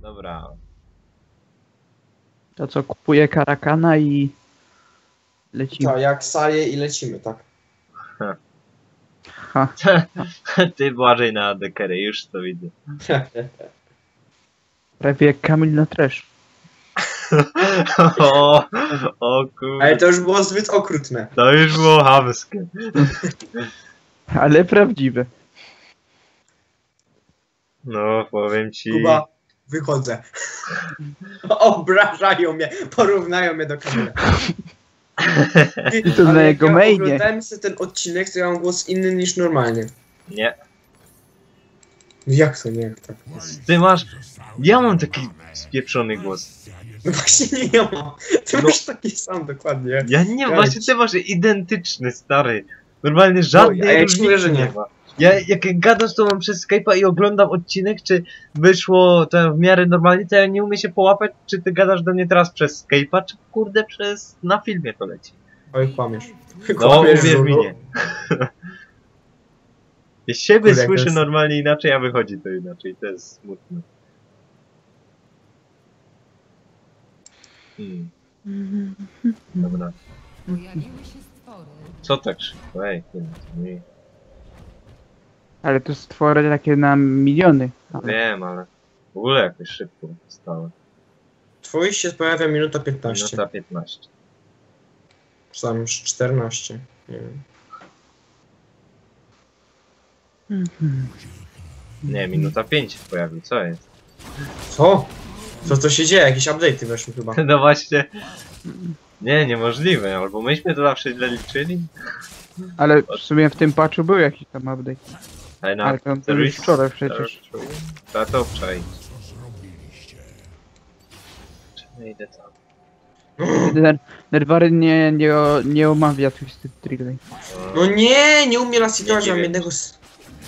Dobra. To co, kupuję karakana i lecimy. Tak, jak saje i lecimy, tak. Ha. Ty Błażej na dekery, już to widzę. Prawie jak Kamil na trash. O kurde. Ale to już było zbyt okrutne. To już było chamskie. Ale prawdziwe. No, powiem ci. Kuba, wychodzę. Obrażają mnie, porównają mnie do Kamila. I to na jego mainie. Oglądałem sobie ten odcinek, to ja mam głos inny niż normalnie. Nie. Jak to nie? Tak. Ty masz. Ja mam taki spieprzony głos. No właśnie nie mam. Ty masz taki sam dokładnie. Ja nie, właśnie ty masz identyczny, stary. Normalnie żadnej a ja ci różnicy mówię, że nie. ma. Ja jak gadam z tobą przez Skype'a i oglądam odcinek, czy wyszło to w miarę normalnie, to ja nie umiem się połapać, czy ty gadasz do mnie teraz przez Skype'a, czy kurde na filmie to leci. Oj, kłamiesz. No, uwierz mi, Żulu. nie. Ja siebie Kurde, słyszę jest... normalnie inaczej, a wychodzi to inaczej, to jest smutne. Dobra. Pojawiły się stwory. Co tak szybko? Ej, nie. Ale to stwory takie na miliony. Ale Wiem, ale w ogóle jakoś szybko stało. Twój się pojawia minuta 15. Minuta 15. Czy tam już 14. Nie wiem. Nie, minuta 5 się pojawił, co jest? Co? Co się dzieje? Jakieś update'y weszły chyba. No właśnie. Nie, niemożliwe, albo myśmy to zawsze źle liczyli. Ale w sumie w tym patchu był jakiś tam update. Ale Ale to już wczoraj przecież. Trzeba to obczaić. Czy nie idę tam? Nerwary nie omawia Twisted Trilogy. No nie umie nas Nie situować, mam wiem. jednego z...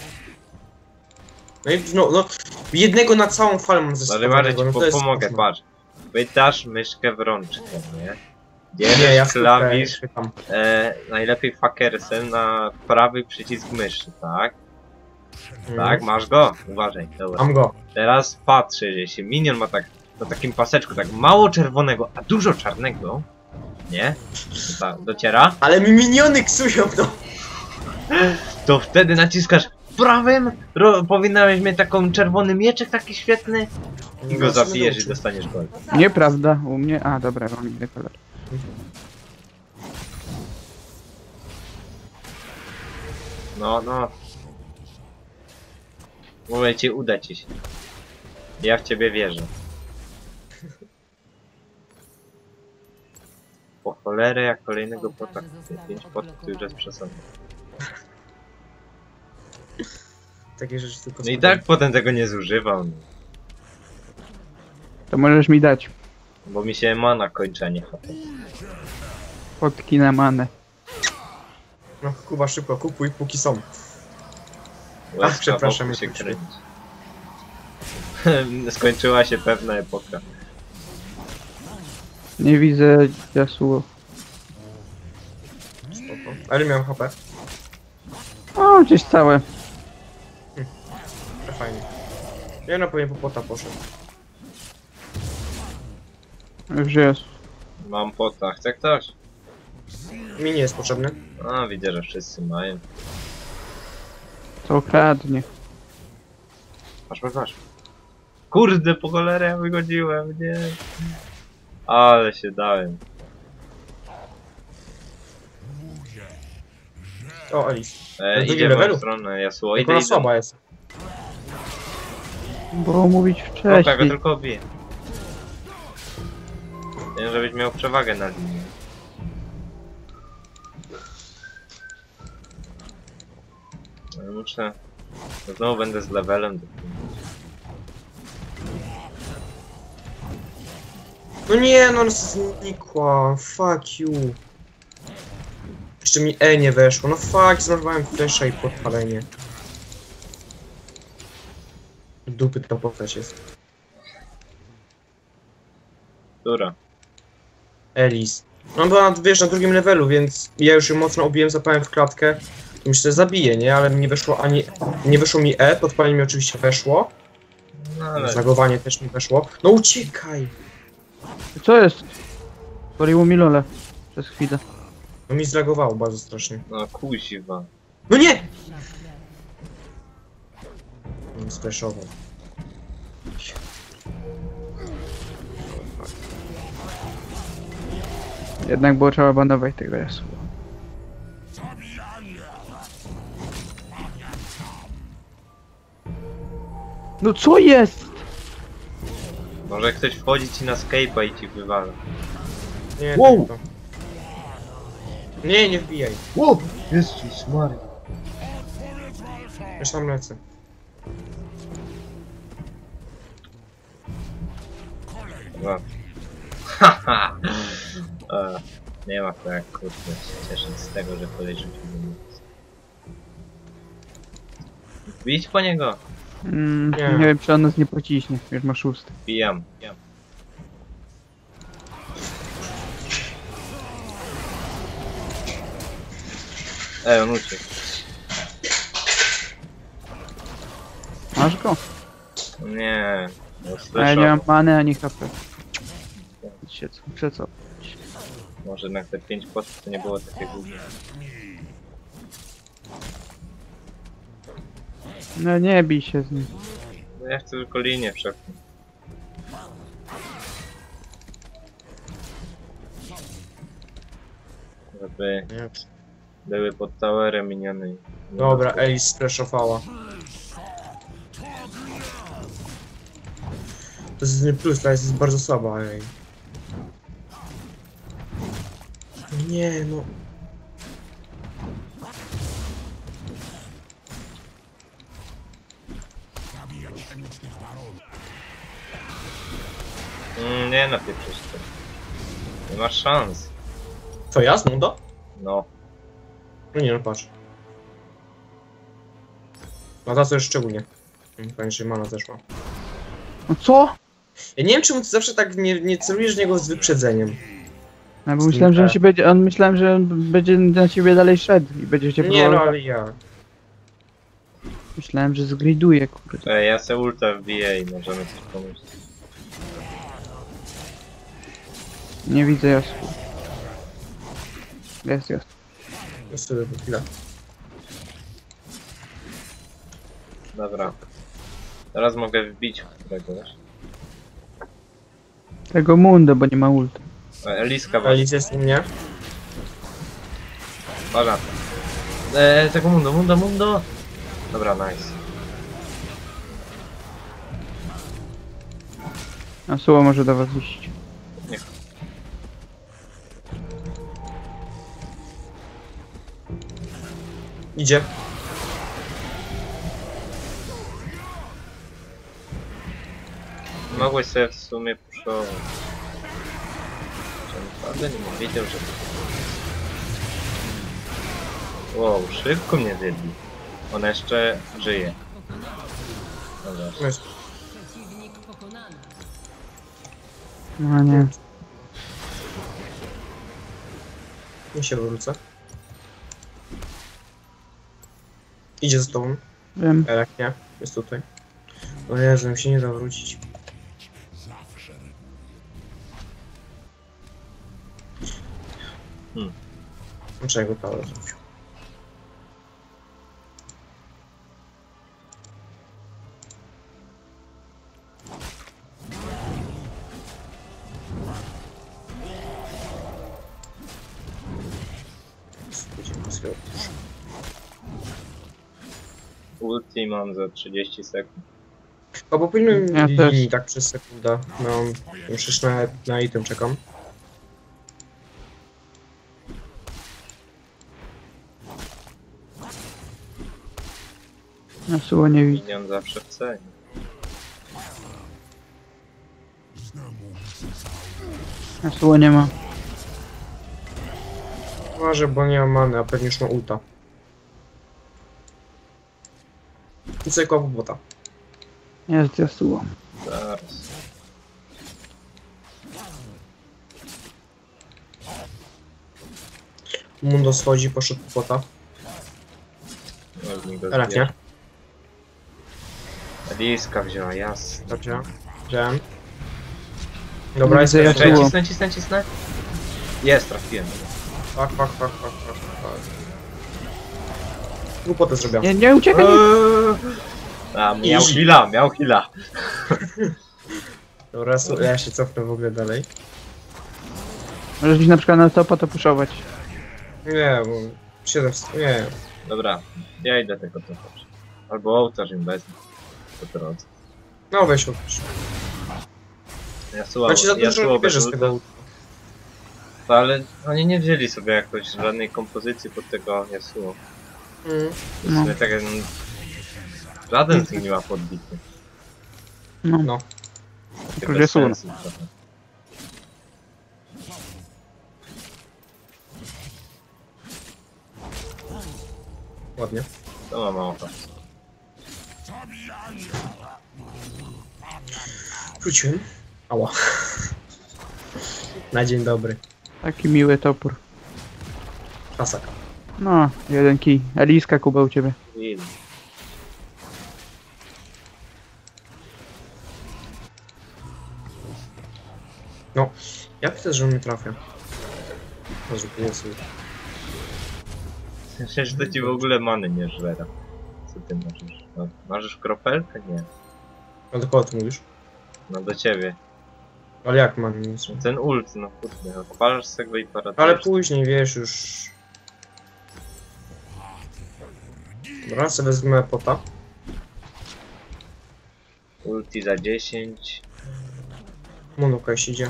No, jednego na całą falę mam ze Ale Marek, no to jest pomogę, koszmar. patrz. Wydasz myszkę w rączkę, nie? Nie, Bierzesz ja klawisz, pytam. najlepiej fakersem na prawy przycisk myszy, tak? Mm. Tak, masz go? Uważaj, dobra. Mam go. Teraz patrzę, że jeśli minion ma tak na takim paseczku tak mało czerwonego, a dużo czarnego, nie? Dociera? Ale mi miniony ksują, no. To wtedy naciskasz prawym, powinieneś mieć taką czerwony mieczek taki świetny i go zabijesz i dostaniesz gol. Nieprawda, u mnie... A, dobra, mam inny kolor. No. Mówię ci, uda ci się. Ja w ciebie wierzę. Po cholerę, jak kolejnego pota. 5 potów to już jest przesada. Takie rzeczy tylko No i tak potem tego nie zużywam. To możesz mi dać Bo mi się mana kończy, a nie HP. fotki na manę. No Kuba, szybko, kupuj póki są. Łezka przepraszam, wokół się ja kręci. Skończyła się pewna epoka. Nie widzę Yasuo. Spoko. Ale miałem HP. O, gdzieś całe. To fajnie. Ja na pewno po pota poszedł. Już jest. Mam pota, chce ktoś? Mi nie jest potrzebny. A, widzę, że wszyscy mają. To kradnie. Masz. Kurde, po cholerę ja wygodziłem, nie. Ale się dałem. O, Alice. Idzie w levelu? moją stronę, Yasuo. Jak Idę. ona słaba jest. Było mówić Oka go wcześniej. tylko bije. Wiem, żebyś miał przewagę na linii. No, muszę... Znowu będę z levelem. No nie, no znikła. Fuck you. Jeszcze mi E nie weszło. No fuck, zmarnowałem flesza i podpalenie. Dupy to postać jest. Która? Alice. No była, wiesz, na drugim levelu, więc ja już ją mocno obiłem, zapałem w klatkę. I myślę, że zabiję, nie? Ale mi nie weszło ani... Nie weszło mi E, podpalenie mi oczywiście weszło. No, Ale Zlagowanie też mi weszło. No uciekaj! Co jest? Paliło mi lole. Przez chwilę. No mi zlagowało bardzo strasznie. no kuźwa. No nie! Nie splashował. Jednak było trzeba banować tego jasu. No co jest? Może ktoś wchodzi ci na Skype'a i ci wywala. Nie, Wow! tak to. Nie, nie wbijaj. Ło! Jezus Maria. Już tam lecę. Dobra. Haha! Nie ma to jak kurde się cieszyć z tego, że koleś rzucił do mnie. Bić po niego! Nie. Nie wiem, czy on nas nie pociśnie. Już ma 6. Bijam. On uciekł. Masz go? Nie. No, A ja nie mam słyszało. many ani HP. Przeco. Może na te 5 postów to nie było takie głupie. No nie bij się z nim. No ja chcę tylko linię przepchnąć. Żeby Nie. były pod towerem miniony. Dobra, Alice splashowała. To jest nie plus, ta jest bardzo słaba, ej. Nie, no. Nie napieprzysz to. Nie masz szans. Co, ja z Mundo? No. No nie, no patrz. No ta co jest szczególnie. Fajnie, że mana zeszła. No co? Ja nie wiem czemu ty zawsze tak nie celujesz w niego z wyprzedzeniem. No bo myślałem, że on się będzie. Myślałem, że on będzie na ciebie dalej szedł i będzie cię Nie no, próbował. ale ja. Myślałem, że zgriduje, kurde. Ja se ulta wbiję i możemy coś pomyśleć. Nie widzę jasu. Jest. No sobie po chwilę. Dobra. Teraz mogę wbić w któregoś. Tego Mundo, bo nie ma ult. Eliska właśnie. Alice jest u mnie. Uwaga. Tego mundo. Dobra, nice. A Suło może do was iść. Niech. Idzie. Mogłeś sobie w sumie puszować. Naprawdę nie wiedział, że... Wow, szybko mnie zjedli. Ona jeszcze żyje. Dobra. No jest. Przeciwnik pokonany. No nie. Nie się wrócę. Idzie za tobą. Wiem. Jak nie, jest tutaj. O Jezu, mi się nie da wrócić. Dlaczego to zrobił? Ulti mam za 30 sekund. O, bo powinien Ja też. linii tak przez sekundę. No, już na item czekam. Na Suło nie widzę. Minion zawsze w cenie. Na Suło nie ma. Może, bo nie ma many, a pewnie już ma ulta. I sobie kopu bota. Jest Yasuo. Zaraz. Mundo schodzi, poszedł po bota. Można go Elak, nie? zbierać. Liska wzięła, jasne. Dobrze. Wziąłem. Dobra, jest Widzę, ja Czekaj, Jasło. cisnę. Jest, trafiłem. Fuck. Głupotę zrobiłem. Nie uciekaj! A, Easy. miał heala. Dobra, ja się cofnę w ogóle dalej. Możesz iść na przykład na topa to puszować. Nie, bo... 7... Nie. Dobra, ja idę tego topować. Albo ołtarz im wezmę. Po drodze. No weź odpisz. Yasuo, Znaczy za dużo Yasuo nie bez bierzesz z ulta. tego. Ale oni nie wzięli sobie jakoś żadnej kompozycji pod tego Yasuo. W No. sumie tak jak... Żaden z nich nie ma podbity. No. No. Takie Yasuo. bez sensu trochę. Ładnie. To ma mało. Wróciłem. Ała. Na dzień dobry. Taki miły topór. Pasak. No, jeden kij. Eliska Kuba u ciebie. Win. No. Ja widzę, że on mnie trafia. Może jest. Myślę, że to ci w ogóle many nie żera. Co ty możesz? No, masz kropelkę? Nie. No do kogo ty mówisz? No do ciebie. Ale jak mam nic? Ten ult, no kurde, odpalasz z tego i paratujesz. Ale później, wiesz, już... Dobra, sobie wezmę pota. Ulti za 10. Monuka jeśli idzie.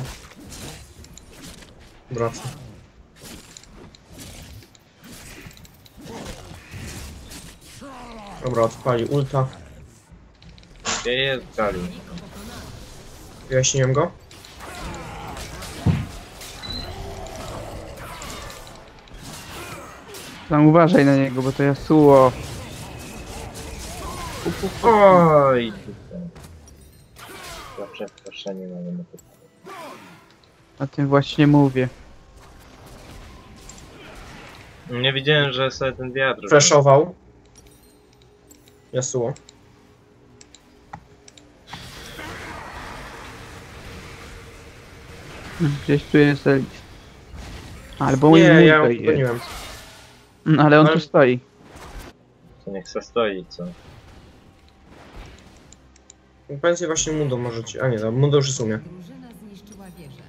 Wraca. Dobra, odpali ulta. Gdzie jest Gali? Wyjaśniłem go. Tam uważaj na niego, bo to Yasuo. Oj, tutaj. Zawsze wproszenie mamy na to. O tym właśnie mówię. Nie widziałem, że sobie ten wiatr... Flashował. Yasuo. Gdzieś tu jest Elis. Albo mój Nie, mój ja ją tutaj jest. pogoniłem. Ale on Ale- tu stoi. To niech se stoi, co? Pensję właśnie Mundo możecie. A nie, no, Mundo już jest u mnie. Drużyna zniszczyła wieżę.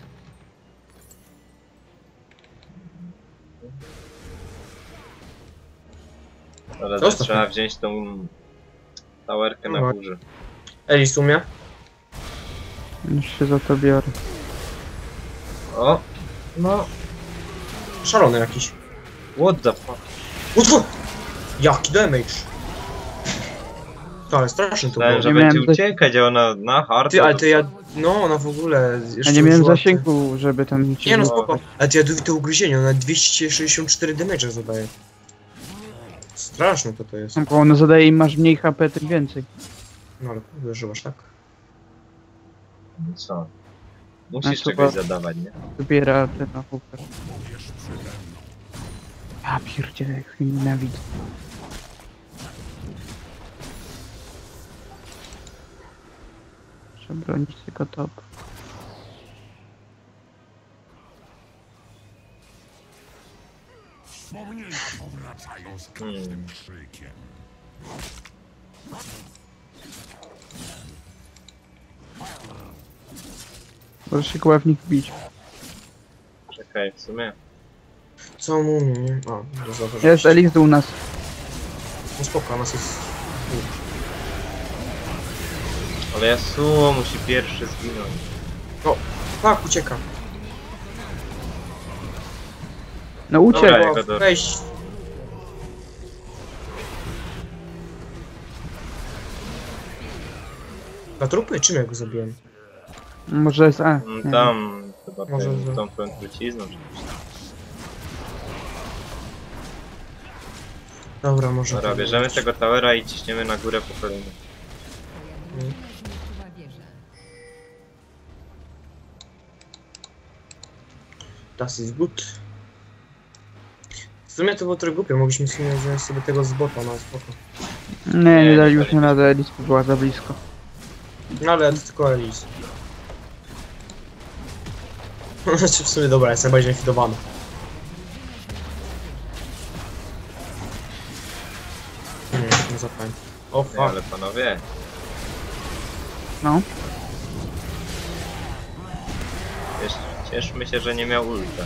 Ale Zostaw trzeba mnie. wziąć tą... Towerkę na No. górze. Elis u mnie. Już się za to biorę. O! No! Szalony jakiś. What the fuck? Utwór! Jaki damage! To ale straszny to było. Myślałem, że Nie będzie miałem uciekać, a ona na hard. Ty, ale ty ja... No, ona w ogóle... Ja jeszcze nie miałem użyła- zasięgu, żeby tam cię Nie no, było. spoko. Ale ty jadowite ugryzienie, ona 264 damage zadaje. Straszne to jest. Bo ono zadaje im masz mniej HP, tym więcej. No ale uderzyłaś tak. Co? Musisz A, czegoś chyba- zadawać, nie? Wybiera ten ochupę. Ja pierdzielę, jak mnie nienawidzę. Muszę bronić tylko top. Wspomnienia powracają z każdym krzykiem. Możesz się koła w nich bić. Czekaj, w sumie. Co mu umie, nie? A, to zauważyłeś. Jest Elix u nas. No spoko, nas jest... Ale Yasuo musi pierwszy zginąć. Tak, ucieka. No uciekł. Dobra, Dobra, jego do- weź. Na trupy? Czym ja go zabiłem? Może jest A. Nie. Tam chyba Może ten, za- tą twoją trucizną. czy coś. Dobra, może... Dobra, to bierzemy być. tego towera i ciśniemy na górę po kolejnym. Twoja drużyna zniszczyła wieżę. Das ist good. W sumie to było trochę głupie, mogliśmy w sumie wziąć sobie tego z bota na spoko. Nie, nie nie dali już dali. nie radę, Elis była za blisko. No ale to tylko Elis. Znaczy w sumie dobra, jest najbardziej nafidowany. Nie zapamiętam. O Nie, fuck. ale panowie, No. cieszmy się, że nie miał ulta.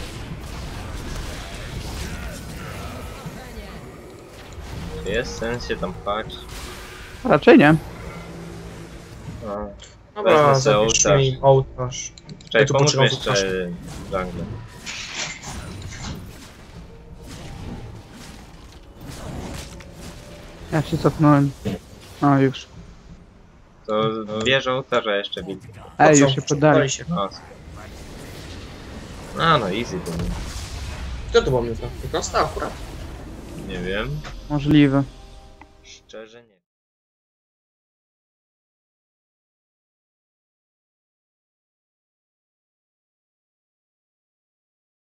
Czy jest sens się tam pchać? Raczej nie. No. Dobra, Wezmę sobie zapisz ołtarz. mi ołtarz. Czekaj, Ja tu pomóż mi poczekam jeszcze w jungle. Ja się cofnąłem. O, już. To bierze ołtarza jeszcze wilk. Ej, Co? już się poddali. się. No, no easy to było. Kto to był mnie to? Tylko akurat. Nie wiem. Możliwe. Szczerze nie.